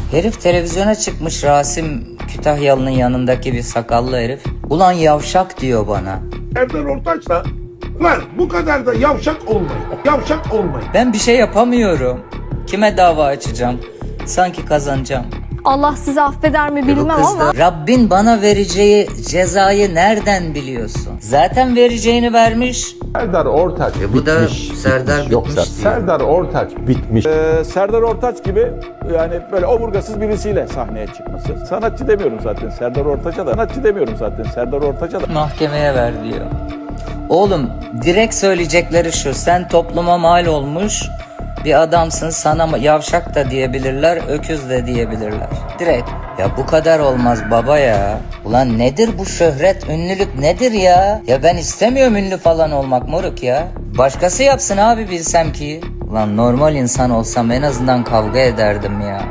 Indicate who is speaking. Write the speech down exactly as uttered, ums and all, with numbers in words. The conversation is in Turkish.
Speaker 1: Herif televizyona çıkmış, Rasim Kütahyalı'nın yanındaki bir sakallı herif. Ulan yavşak diyor bana.
Speaker 2: Serdar Ortaç da lan bu kadar da yavşak olmayın. Yavşak olmayın.
Speaker 1: Ben bir şey yapamıyorum. Kime dava açacağım? Sanki kazanacağım.
Speaker 3: Allah sizi affeder mi
Speaker 1: Bu
Speaker 3: bilmem
Speaker 1: kız
Speaker 3: ama
Speaker 1: da, Rabbin bana vereceği cezayı nereden biliyorsun? Zaten vereceğini vermiş.
Speaker 4: Serdar Ortaç
Speaker 1: E bu da
Speaker 4: bitmiş.
Speaker 1: Serdar
Speaker 4: bitmiş. Yoksa
Speaker 1: bitmiş diyor.
Speaker 4: Serdar Ortaç bitmiş.
Speaker 5: Ee, Serdar Ortaç gibi yani böyle omurgasız birisiyle sahneye çıkması. Sanatçı demiyorum zaten Serdar Ortaç'a da. Sanatçı demiyorum zaten Serdar Ortaç'a da.
Speaker 1: Mahkemeye ver diyor. Oğlum direkt söyleyecekleri şu: sen topluma mal olmuş bir adamsın, sana yavşak da diyebilirler, öküz de diyebilirler. Direkt. Ya bu kadar olmaz baba ya. Ulan nedir bu şöhret, ünlülük nedir ya? Ya ben istemiyorum ünlü falan olmak moruk ya. Başkası yapsın abi, bilsem ki. Ulan normal insan olsam en azından kavga ederdim ya.